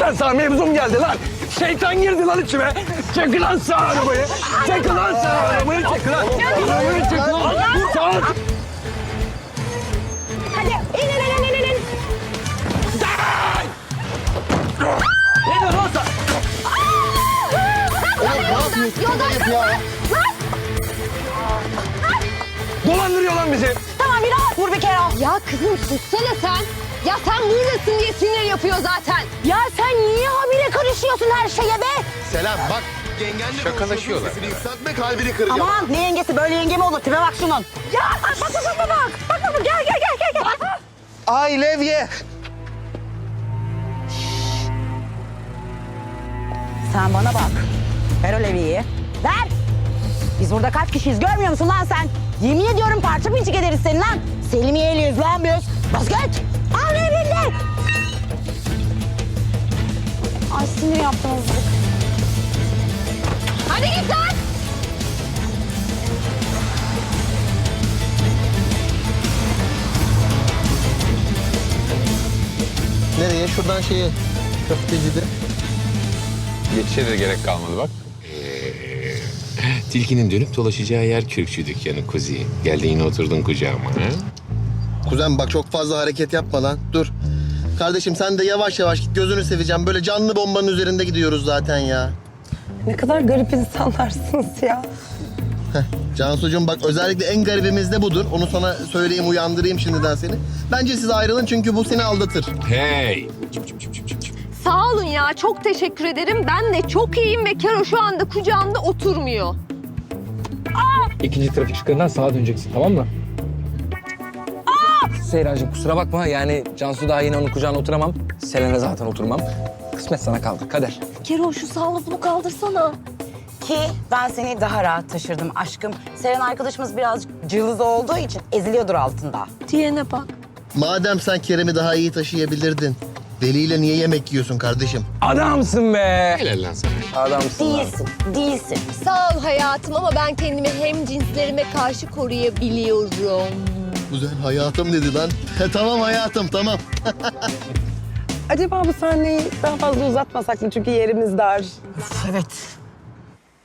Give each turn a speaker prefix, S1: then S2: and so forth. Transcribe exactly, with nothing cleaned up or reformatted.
S1: Sen sağ mevzum geldi lan. Şeytan girdi lan içime. Çek lan sağ arabayı. Çek lan sağ arabayı. Çek lan. Arabayı çek lan. Sağ.
S2: Hadi in in in in in.
S1: Ne diyorsun lan sen?
S2: Yoldan
S3: ya.
S1: Dolandırıyor lan bizi.
S2: Tamam bir rahat vur bir kere.
S4: Ya kızım sussana sen. Ya sen buradasın diye sinir yapıyor zaten.
S2: Ya sen niye habire karışıyorsun her şeye be?
S3: Selam bak. Yengenle
S5: Şakalaşıyorlar.
S3: sesini yükseltme kalbini kıracağım.
S2: Aman ne yengesi böyle yenge mi olur? Tipe bak şunun. Ya bak bak bak bak bak. Bak bak bak gel gel gel gel. gel.
S3: Ay Levye.
S2: Sen bana bak. Ver o levyeyi. Ver. Biz burada kaç kişiyiz görmüyor musun lan sen? Yemin ediyorum parça pinçik ederiz seni lan. Selimiye'liyiz lan biz. Basket. Al levyeyi. Ay sinir yaptım azıcık.
S4: Hadi git lan.
S3: Nereye? Şuradan şeye. Köftecide.
S5: Geçişe de gerek kalmadı bak. Ee, tilkinin dönüp dolaşacağı yer kürkçü dükkanı Kuzi. Geldin yine oturdun kucağıma. Ha?
S3: Kuzen bak çok fazla hareket yapma lan. Dur. Kardeşim sen de yavaş yavaş git. Gözünü seveceğim. Böyle canlı bombanın üzerinde gidiyoruz zaten ya.
S6: Ne kadar garip insanlarsınız ya.
S3: Cansucuğum bak özellikle en garibimiz de budur. Onu sana söyleyeyim, uyandırayım şimdiden seni. Bence siz ayrılın çünkü bu seni aldatır.
S5: Hey!
S4: Sağ olun ya çok teşekkür ederim. Ben de çok iyiyim ve Kero şu anda kucağımda oturmuyor.
S7: İkinci trafik ışıklarından sağa döneceksin, tamam mı? Seyrancığım kusura bakma, yani Cansu daha yeni onun kucağına oturamam. Selena zaten oturmam. Kısmet sana kaldı, kader.
S4: Kero şu sağ lafını kaldırsana.
S2: Ki ben seni daha rahat taşırdım aşkım. Seren arkadaşımız birazcık cılız olduğu için eziliyordur altında.
S4: Diyene bak.
S3: Madem sen Kerem'i daha iyi taşıyabilirdin. Veli'yle niye yemek yiyorsun kardeşim?
S7: Adamsın be!
S5: Helal lan sana.
S7: Adamsın lan.
S2: Değilsin, değilsin.
S4: Sağ ol hayatım ama ben kendimi hem cinslerime karşı koruyabiliyorum.
S3: Güzel hayatım dedi lan. Tamam hayatım tamam.
S6: Acaba bu sahneyi daha fazla uzatmasak mı? Çünkü yerimiz dar.
S2: Evet.